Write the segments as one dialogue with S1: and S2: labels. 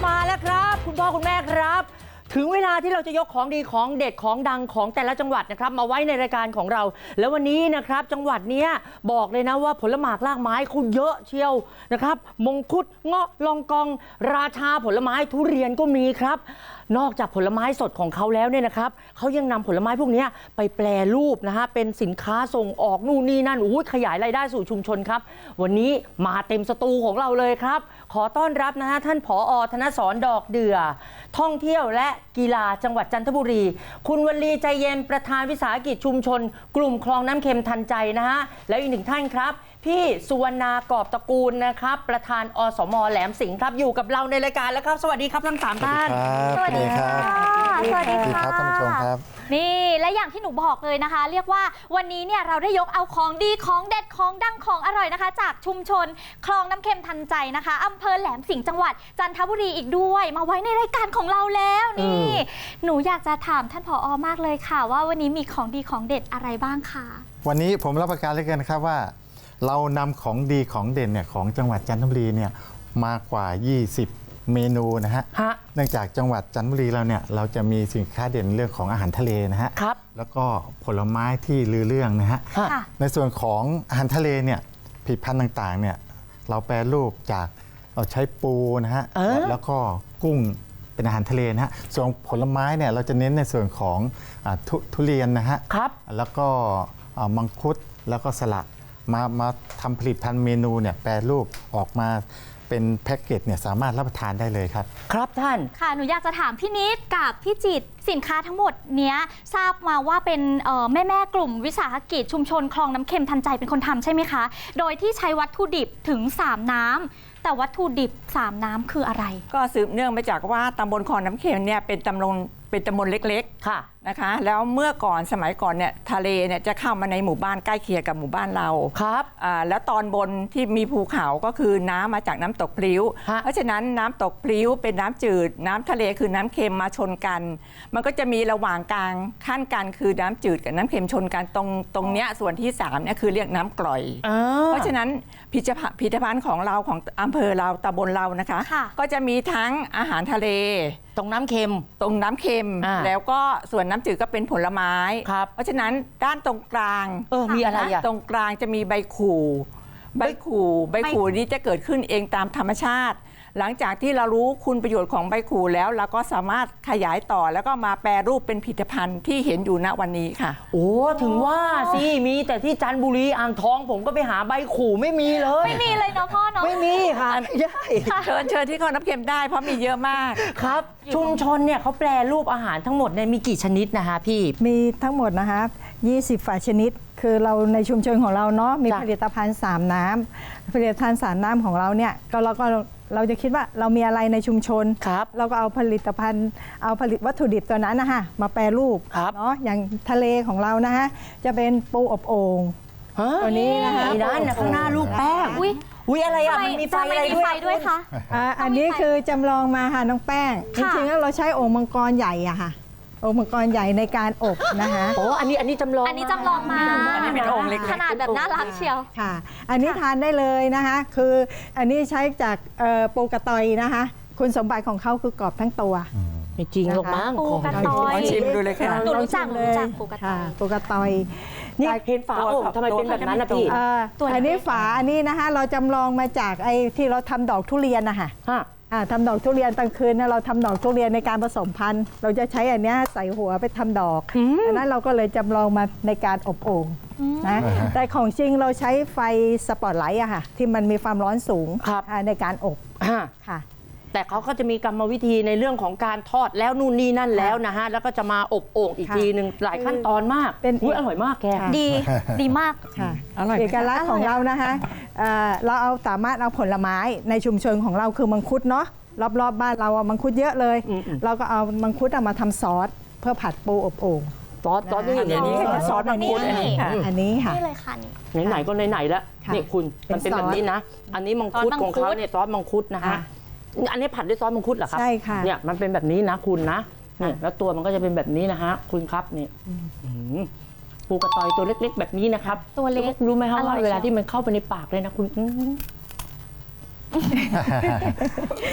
S1: มาแล้วครับคุณพ่อคุณแม่ครับ ถึงเวลาที่เราจะยกของดีของเด็ดของดังของแต่ละจังหวัดนะครับมาไว้ในรายการของเราแล้ววันนี้นะครับจังหวัดเนี้ยบอกเลยนะว่าผลหมากรากไม้คุณเยอะเชียวนะครับมงคุดเงาะลองกองราชาผลไม้ทุเรียนก็มีครับนอกจากผลไม้สดของเขาแล้วเนี่ยนะครับเขายังนำผลไม้พวกนี้ไปแปรรูปนะฮะเป็นสินค้าส่งออกนู่นนี่นั่นขยายรายได้สู่ชุมชนครับวันนี้มาเต็มสตูของเราเลยครับขอต้อนรับนะฮะท่านผอ.ธนสรดอกเดือท่องเที่ยวและกีฬาจังหวัดจันทบุรีคุณวลีใจเย็นประธานวิสาหกิจชุมชนกลุ่มคลองน้ำเค็มทันใจนะฮะแล้วอีกหนึ่งท่านครับพี่สุวรรณากอบตระกูลนะครับประธานอสม.แหลมสิงห์ครับอยู่กับเราในรายการแล้วครับสวัสดีครับทั้งสามท่าน
S2: สวัสดีครับสวัสดีครับท่านผู้ชมครับ
S3: นี่และอย่างที่หนูบอกเลยนะคะ เรียกว่าวันนี้เนี่ยเราได้ยกเอาของดีของเด็ดของดังของอร่อยนะคะจากชุมชนคลองน้ำเค็มทันใจนะคะอำเภอแหลมสิงห์จังหวัดจันทบุรีอีกด้วยมาไว้ในรายการของเราแล้วนี่หนูอยากจะถามท่านผอ.มากเลยค่ะว่าวันนี้มีของดีของเด็ดอะไรบ้างคะ
S2: วันนี้ผมรับประกันเลยกันนะครับว่าเรานำของดีของเด่นเนี่ยของจังหวัดจันทบุรีเนี่ยมากว่า 20 เมนูนะฮะเนื่องจากจังหวัดจันทบุรีเราเนี่ยเราจะมีสินค้าเด่นเรื่องของอาหารทะเลนะฮะแล้วก็ผลไม้ที่ลือเรื่องนะฮะในส่วนของอาหารทะเลเนี่ยผลิตภัณฑ์ต่างๆเนี่ยเราแปรรูปจากเราใช้ปูนะฮะแล้วก็กุ้งเป็นอาหารทะเลนะฮะส่วนผลไม้เนี่ยเราจะเน้นในส่วนของทุเรียนนะฮะแล้วก็มังคุดแล้วก็สละมาทำผลิตภัณฑ์เมนูเนี่ยแปรรูปออกมาเป็นแพ็กเกจเนี่ยสามารถรับประทานได้เลยครับ
S1: ครับท่าน
S3: ค่ะหนูอยากจะถามพี่นิดกับพี่จิตสินค้าทั้งหมดเนี้ยทราบมาว่าเป็นแม่กลุ่มวิสาหกิจชุมชนคลองน้ำเค็มทันใจเป็นคนทำใช่ไหมคะโดยที่ใช้วัตถุดิบถึง3น้ำแต่วัตถุดิบ3น้ำคืออะไร
S4: ก็สืบเนื่องมาจากว่าตำบลคลองน้ำเค็มเนี่ยเป็นตำบลเล็กๆค่ะนะคะแล้วเมื่อก่อนสมัยก่อนเนี่ยทะเลเนี่ยจะเข้ามาในหมู่บ้านใกล้เคียงกับหมู่บ้านเรา
S1: ครับ
S4: แล้วตอนบนที่มีภูเขาก็คือน้ำมาจากน้ำตกพลิ้วเพราะฉะนั้นน้ำตกพลิ้วเป็นน้ำจืดน้ำทะเลคือน้ำเค็มมาชนกันมันก็จะมีระหว่างกลางขั้นกันคือน้ำจืดกับน้ำเค็มชนกันตรงเนี้ยส่วนที่3เนี่ยคือเรียกน้ำกร่อยเพราะฉะนั้นผลิตภัณฑ์ของเราของอำเภอเราตำบลเรานะคะก็จะมีทั้งอาหารทะเล
S1: ตรงน้ำเค็ม
S4: แล้วก็ส่วนน้ำจืดก็เป็นผลไม้เพราะฉะนั้นด้านตรงกลาง
S1: มีอะไร
S4: ตรงกลางจะมีใบขู่นี้จะเกิดขึ้นเองตามธรรมชาติหลังจากที่เรารู้คุณประโยชน์ของใบขู่แล้วเราก็สามารถขยายต่อแล้วก็มาแปรรูปเป็นผลิตภัณฑ์ที่เห็นอยู่ณวันนี้ค่ะ
S1: ถึงว่าสิมีแต่ที่จันทบุรีอ่างทองผมก็ไปหาใบขู่ไม่มีเลย
S3: ไม่มีเลยเนาะพ่อเนาะ
S1: ไม่มีค่ะ
S4: เชิญที่คลองน้ำเค็มได้เพราะมีเยอะมาก
S1: ครับชุมชนเนี่ยเขาแปรรูปอาหารทั้งหมดเนี่ยมีกี่ชนิดนะคะพี่
S5: มีทั้งหมดนะคะ20ฝ่ายชนิดคือเราในชุมชนของเราเนาะมีผลิตภัณฑ์3น้ำผลิตภัณฑ์3น้ำของเราเนี่ยเราจะคิดว่าเรามีอะไรในชุมชนเราก็เอาผลิตภัณฑ์วัตถุดิบตัวนั้นนะคะมาแปรรูปเนาะอย่างทะเลของเรานะคะจะเป็นปูอบโอ่งตัวนี้นะคะ
S1: ด้านข้างหน้าลูกแป้งอุ้ยอะไรอ่ะมันมีไฟอะไร
S3: ด้วยคะ
S5: อันนี้คือจำลองมาค่ะน้องแป้งจริงๆแล้วเราใช้โอ่งมังกรใหญ่อะค่ะโอ่งมังกรใหญ่ในการอบนะคะ
S1: อันนี้จำลอง
S3: มา
S4: อันนี้เป็นโอ่งเล็ก
S3: ขนาดแบบน่ารักเชียว
S5: ค่ะอันนี้ทานได้เลยนะคะคืออันนี้ใช้จากปูกระตอยนะคะคุณสมบัติของเขาคือกรอบทั้งตัว
S1: ไม่จริงหรอกมั้ง
S3: ปูกระตอย
S4: ชิมดูเลยค่ะ
S3: หนูรู้จักปูกระตอย
S5: ปูกระตอย
S1: นี่เห็นฝาโอ่งทำไมเป็นแบบนั้นนะพี่
S5: อันนี้ฝาอันนี้นะคะเราจำลองมาจากไอ้ที่เราทำดอกทุเรียนนะคะทำดอกทุเรียนกลางคืนเราทำดอกทุเรียนในการผสมพันธุ์เราจะใช้อันนี้ใส่หัวไปทำดอกดังนั้นเราก็เลยจำลองมาในการอบโอ่งนะแต่ของจริงเราใช้ไฟสปอตไลท์อะค่ะที่มันมีความร้อนสูงในการอบค่ะ
S1: แต่เขาก็จะมีกรรมวิธีในเรื่องของการทอดแล้วนู่นนี่นั่นแล้วนะฮะแล้วก็จะมาอบโอ่งอีกทีหนึ่งหลายขั้นตอนมากอร่อยมากแก
S3: ดีมาก
S5: ค่ะเอกลักษณ์ของเรานะคะเราสามารถเอาผลไม้ในชุมชนของเราคือมังคุดเนาะรอบๆบ้านเรามังคุดเยอะเลยเราก็เอามังคุดมาทำซอสเพื่อผัดปูอบโอ่ง
S1: ซอสที่อย่างนี้
S4: ซอสมังคุดอันนี้ค่ะ
S3: นี่เลยค่ะ
S1: ไหนก็ไหนแล้วนี่คุณมันเป็นแบบนี้นะอันนี้มังคุดของเขาเนี่ยซอสมังคุดนะคะอันนี้ผัดด้วยซอสมังคุดเหรอครับ
S5: ใช่ค่ะ
S1: เนี่ยมันเป็นแบบนี้นะคุณนะนี่แล้วตัวมันก็จะเป็นแบบนี้นะฮะคุณครับนี่ปูกระตอยตัวเล็กๆแบบนี้นะครับ
S3: ตัวเล็ก
S1: รู้ไหมครับว่าเวลาที่มันเข้าไปในปากเลยนะคุณ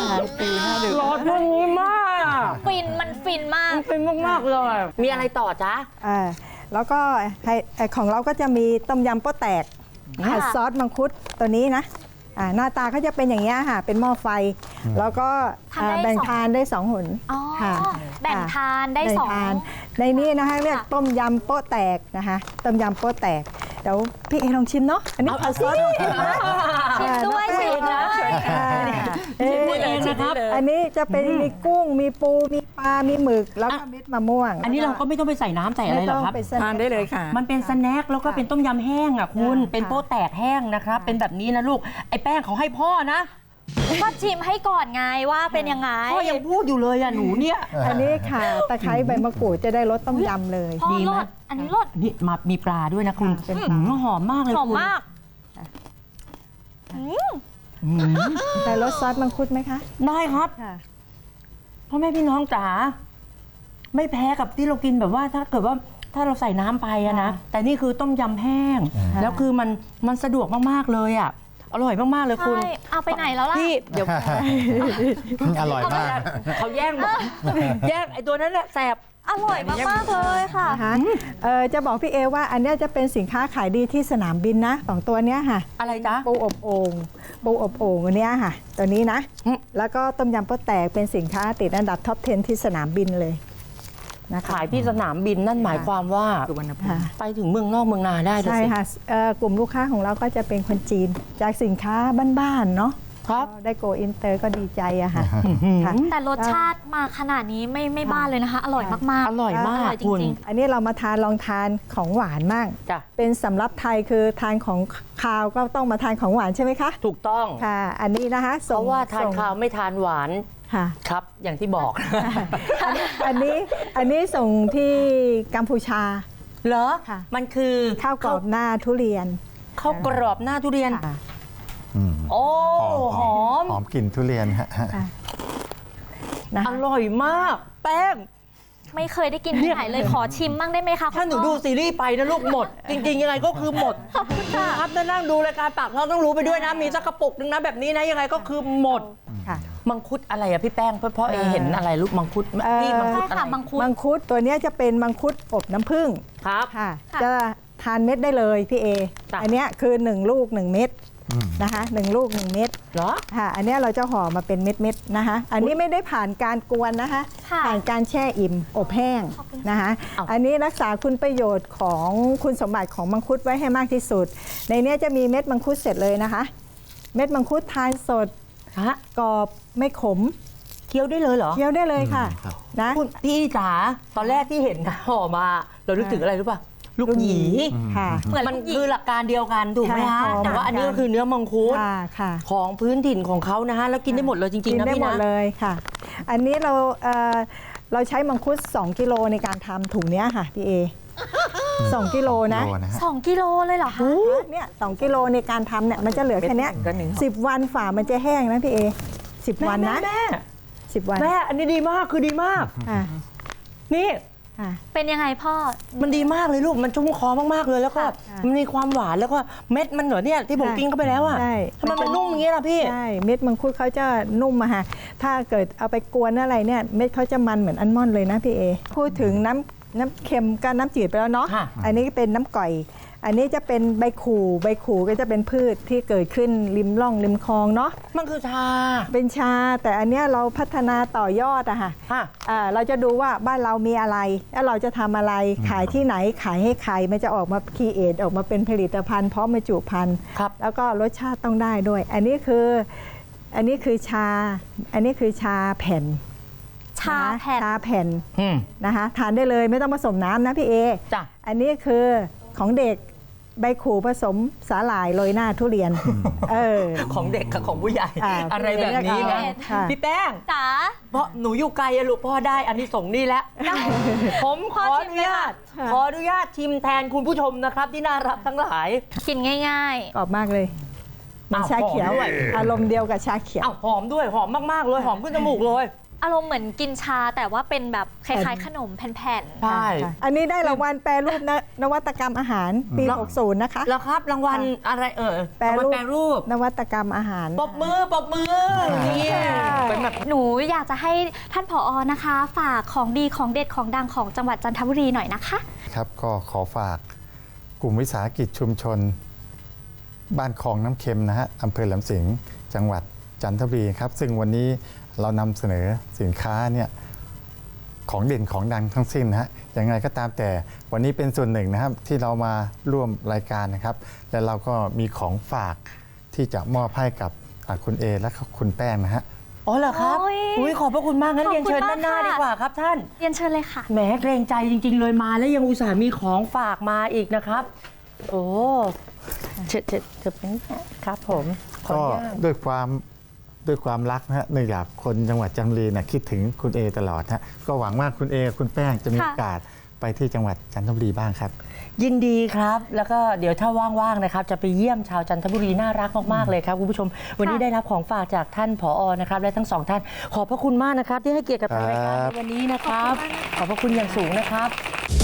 S4: ตีหน้าดึก
S1: หลอดเรื่องนี้มาก
S3: ฟินมันฟินมาก
S1: เป็นมากๆเลย มีอะไรต่อจ๊ะ
S5: แล้วก็ของเราก็จะมีต้มยำโป๊ะแตก
S3: ค่ะ
S5: ผัดซอสมังคุดตัวนี้นะหน้าตาเขาจะเป็นอย่างนี้ยค่ะเป็นหม้อไฟ แล้วก็
S3: ทำได้
S5: แบ่ง
S3: สอง
S5: ทานได้2 หน
S3: อ๋อ
S5: ค่ะ
S3: แบ่งทานได้
S5: แบ่ง
S3: สอง
S5: ทานในนี้นะคะเรียก
S3: ค่ะ
S5: ต้มยำโป๊ะแตกนะคะต้มยำโป๊ะแตกเดี๋ยวพี่เอลองชิมเนาะอันนี้ผัดซอสมังคุดนะ
S3: ชิมด้วย
S5: น้อง
S3: ชิม
S5: แป้ง
S3: นะ
S1: ชิมด้วยเองนะครับ
S5: อันนี้จะเป็นมีกุ้งมีปูมีปลา มีหมึกแล้วก็เม็ดมะม่วง
S1: อันนี้เราก็ไม่ต้องไปใส่น้ำใส่อะไรหรอกครับ
S5: ม่ต้งป
S4: ทานได้เลยค่ะ
S1: มันเป็นสแน็คแล้วก็เป็นต้มยำแห้งอ่ะคุณ
S5: ค่ะ
S1: เป็นโป๊ะแตกแห้งนะครับ เป็นแบบนี้นะลูก ไอ้แป้งเขาให้พ่อนะ
S3: ก็ชิมให้ก่อนไงว่าเป็นยังไง
S1: พ่อยังพูดอยู่เลยอ่ะหนูเนี่ย
S5: อันนี้ค่ะตะไคร้ใบมะกรูดจะได้รสต้มยำเลย
S3: พ่อ
S1: ดีไหม
S3: รสอันนี้รส
S1: นี่มามีปลาด้วยนะคุณ
S5: ค่ะเป็นปลา
S1: หอมมากเลย
S3: หอม
S1: คุณ
S3: มาก
S5: ได้รสซอสมังคุดไหมคะ
S1: ได้ครับ
S5: ค่ะ
S1: พ่อแม่พี่น้องจ๋าไม่แพ้กับที่เรากินแบบว่าถ้าเกิดว่าถ้าเราใส่น้ำไปอะนะ แต่นี่คือต้มยำแห้ง แล้วคือมันสะดวกมากๆเลยอะอร่อยมากๆเลยคุณ
S3: ใช่ เอาไปไหนแล้วล่ะ
S1: พี่เดี๋ยว
S2: อร่อยมาก
S1: เขาแย่งหมดแย่งไอ้ตัวนั้นแหละแสบ
S3: อร่อยมากๆเลยค่ะ
S5: นะคะจะบอกพี่เอว่าอันเนี้ยจะเป็นสินค้าขายดีที่สนามบินนะ2ตัวเนี้ยค่ะ
S1: อะไรจ๊ะ
S5: ปูอบโอ่งปูอบโอ่งอันเนี้ยค่ะ ตัวนี้นะ
S1: อืม
S5: แล้วก็ต้มยำโป๊ะแตกเป็นสินค้าติดอันดับท็อป 10 ที่สนามบินเลยนะคะ
S1: ขายที่สนามบินนั่นหมายความว่า
S4: สุวรรณภูมิ
S5: ค่ะ
S1: ไปถึงเมืองนอกเมืองนาได้เลย
S5: ใช่
S1: สิ
S5: ค่ะกลุ่มลูกค้าของเราก็จะเป็นคนจีน จากสินค้าบ้านๆเนาะ
S1: ครับ
S5: ได้โกอินเตอร์ก็ดีใจอะค่ะค่ะ
S3: แต่รสชาติมาขนาดนี้ไม่บ้าเลยนะคะ อร่อยมากๆ
S1: อร่อยมาก
S3: อร่อยจ
S1: คุณ
S3: ริง
S5: อันนี้เรามาลองทานของหวานมาก
S1: จ้ะ
S5: เป็นสำรับไทยคือทานของคาวก็ต้องมาทานของหวานใช่ไหมคะ
S1: ถูกต้อง
S5: ค่ะ อันนี้นะคะ
S1: เพราะว่าทาน
S5: ส่ง
S1: ข้าวไม่ทานหวาน
S5: ค่ะ
S1: ครับ อย่างที่บอก
S5: อันนี้ส่งที่กัมพูชา
S1: เหรอ
S5: ค่ะ
S1: มันคือ
S5: ข้าวกรอบหน้าทุเรียน
S1: ข้าวกรอบหน้าทุเรียน
S5: ค่ะ
S1: โอ้หอม
S2: หอมกลิ่นทุเรียนฮะ
S5: นะ
S1: อ
S5: คะ
S1: ร่อยมาก แป้ง
S3: ๆ ไม่เคยได้กินที่ไหนเลยขอชิมบ้างได้ไหมคะ
S1: ถ้าหนู
S3: คุณ
S1: ดู
S3: พ่อ
S1: ซีรีส์ไปนะลูกหมด จริง ๆ ยังไงก็คือหมด
S3: ขอบคุณค่ะ
S1: ครับถ้านั่งดูรายการปากท้องต้องรู้ไปด้วยนะ มีสักกระปุกนึงนะแบบนี้นะยังไงก็คือหมด
S5: ค่ะ
S1: มังคุดอะไรอะพี่แป้งเพราะเห็นอะไรลูกมังคุดพี่มังคุด
S3: ใช่
S1: อะไร
S3: ค่ะมังคุด
S5: มังคุดตัวเนี้ยจะเป็นมังคุดอบน้ำผึ้ง
S1: ครับ
S5: ค่ะ
S3: ค่ะ
S5: จะทานเม็ดได้เลยพี่เอ
S1: จ้ะ
S5: อันเนี้ยคือ1ลูก1เม็ดนะคะ1ลูก1เม็ด
S1: เหรอ
S5: ค่ะ อันเนี้ยเราจะห่อมาเป็นเม็ดๆนะคะ อันนี้ไม่ได้ผ่านการกวนนะคะ
S3: ค่ะ
S5: ผ่านการแช่อิ่มอบแห้ง
S3: ขอบคุณ
S5: นะคะ
S1: อ้าว
S5: อันนี้รักษาคุณประโยชน์ของคุณสมบัติของมังคุดไว้ให้มากที่สุด ในเนี้ยจะมีเม็ดมังคุดเสร็จเลยนะคะ เม็ดมังคุดทานสด
S1: ฮะ
S5: กรอบไม่ขม
S1: เคี้ยวได้เลยเหรอ
S5: เคี้ยวได้เลยค่ะ
S2: ครับ
S5: นะ
S1: คุณพี่จ๋าตอนแรกที่เห็นห่อมาเรานึกถึงอะไรรู้ป่ะลูกหยี
S5: ค่ะ
S3: เหมือน
S1: มัน
S3: ลูกหยี
S1: คือหลักการเดียวกันถูกไหม
S5: ค่ะ
S1: ฮะ
S5: ห่อ
S1: แต่ว่าอันนี้ก็คือเนื้อมังคุด
S5: ค่ะค่ะ
S1: ของพื้นถิ่นของเขานะฮะแล้วกินได้หมดเลยจริงๆ
S5: กิ
S1: นะ
S5: ได้
S1: พี่
S5: หมด
S1: นะ
S5: เลยค่ะ อันนี้เราใช้มังคุด2กิโลในการทำถุงเนี้ยค่ะพี่เอ2กิโลนะ
S2: โลนะฮะ
S3: 2 กิโลเลยเหรอคะ
S5: เนี่ย2กิโลในการทำเนี่ยมันจะเหลือแค่เนี้ย
S4: เม็ดหนึ่งก็1
S5: 10 วันฝ่ามันจะแห้งนะพี่เอ10 วันนะ
S1: แม่
S5: 10 วัน
S1: แม่อันนี้ดีมากคือดีมาก
S5: อ่ะ
S1: นี่
S5: อ่ะ
S3: เป็นยังไงพ่อ
S1: มันดีมากเลยลูกมันชุ่มคอมากๆเลยแล้วก็
S5: ค่ะ
S1: มันมีความหวานแล้วก็เม็ดมันเหนอเนี่ยที่ผม
S5: ค่ะ
S1: กินเข้าไปแล้วอ่ะ
S5: ใช่
S1: ทำไมมันนุ่มอย่างเงี้ยล่ะพี่
S5: ใช่เม็ดมังคุดเขาจะนุ่มอะค่ะถ้าเกิดเอาไปกวนอะไรเนี่ยเม็ดเขาจะมันเหมือนอัลมอนด์เลยนะพี่เอพูดถึงน้ำเค็มกับน้ำจืดไปแล้วเนาะ
S1: ค่ะ
S5: อันนี้เป็นน้ำก่อย อันนี้จะเป็นใบขู่ก็จะเป็นพืชที่เกิดขึ้นริมร่องริมคลองเนาะ
S1: มันคือชา
S5: เป็นชาแต่อันเนี้ยเราพัฒนาต่อยอดอะค่ะ
S1: ค่ะ
S5: เราจะดูว่าบ้านเรามีอะไร แล้วเราจะทำอะไรขายที่ไหนขายให้ใครมันจะออกมาคีเอทออกมาเป็นผลิตภัณฑ์พร้อมบรรจุภัณฑ์
S1: ครับ
S5: แล้วก็รสชาติต้องได้ด้วย อันนี้คือชา อันนี้คือชาแผ่น
S3: ชาแผ่น
S5: ชาแผ่น
S1: อืม
S5: นะคะทานได้เลยไม่ต้องผสมน้ำนะพี่เอ
S1: จ้ะ
S5: อันนี้คือของเด็กใบขู่ผสมสาหร่ายโรยหน้าทุเรียนอ
S1: ของเด็กกับของผู้ใหญ่ อะไรแบบนี้นะ
S5: ค่ะ
S1: พี่แป้ง
S3: จ๋า
S1: เพราะหนูอยู่ไกลอะลูกพ่อได้อันนี้ส่งส์นี่แล้วผมขออนุญาต
S5: ค่ะ
S1: ขออนุญาตชิมแทนคุณผู้ชมนะครับ ที่น่ารักทั้งหลาย
S3: กินง่าย
S5: กรอบมากเลยเหมัน
S1: อ้าว
S5: ชาเขียว
S1: หอมด้วย
S5: อารมณ์เดียวกับชาเขียว
S1: อ้าวหอมด้วยหอมมากๆเลยหอมขึ้นจมูกเลย
S3: ๆ อารมณ์เหมือนกินชาแต่ว่าเป็นแบบคล้ายๆ ขนมแผ่น
S1: ใช่
S5: ค่ะอันนี้ได้รางวัลแปรรูปนวัตกรรมอาหารปี 60 นะคะ
S1: แล้วครับรางวัลอะไร
S5: แปรรูป
S1: แปรรูป
S5: นวัตกรรมอาหาร
S1: ปรบมือเนี่ยเป็น
S3: หนูอยากจะให้ท่านผอ.นะคะ ฝากของดีของเด็ดของดังของจังหวัดจันทบุรีหน่อยนะคะ
S2: ครับก็ขอฝากกลุ่มวิสาหกิจชุมชน บ้านคลองน้ำเค็มนะฮะอำเภอแหลมสิงห์จังหวัดจันทบุรีครับซึ่งวันนี้เรานำเสนอสินค้าเนี่ยของเด่นของดังทั้งสิ้นนะฮะอย่างไรก็ตามแต่วันนี้เป็นส่วนหนึ่งนะครับที่เรามาร่วมรายการนะครับและเราก็มีของฝากที่จะมอบให้กับคุณเอและคุณแป้งนะฮะ
S1: อ๋อเหรอครับ
S3: โอ้ย
S1: อุ้ยขอบพระคุณมากงั้น
S3: ขอบ
S1: เรียน
S3: คุณ
S1: เชิญ
S3: มาก
S1: ด้านหน้า
S3: ค่ะ
S1: ดีกว่าครับท่าน
S3: เรียนเชิญเลยค่ะ
S1: แหมเกรงใจจริง ๆ เลยมาแล้วยังอุตส่าห์มีของฝากมาอีกนะครับ โอ้เชิญเป็นครับผมขอ
S2: ก็
S1: อนุญาต
S2: ด้วยความรักนะฮะเนื่องจากคนจังหวัดจันทบุรีนะคิดถึงคุณเอตลอดฮะก็หวังว่าคุณเอคุณแป้งจะมี
S3: ค่ะ
S2: โอกาสไปที่จังหวัดจันทบุรีบ้างครับ
S1: ยินดีครับ แล้วก็เดี๋ยวถ้าว่างๆนะครับจะไปเยี่ยมชาวจันทบุรีน่ารักมากๆเลยครับคุณผู้ชม วันนี้ได้รับของฝากจากท่านผอ.นะครับและทั้งสองท่านขอบพระคุณมากนะครับที่ให้เกียรติกับทางรายการในวันนี้นะครับ ขอบพระคุณอย่างสูงนะครับ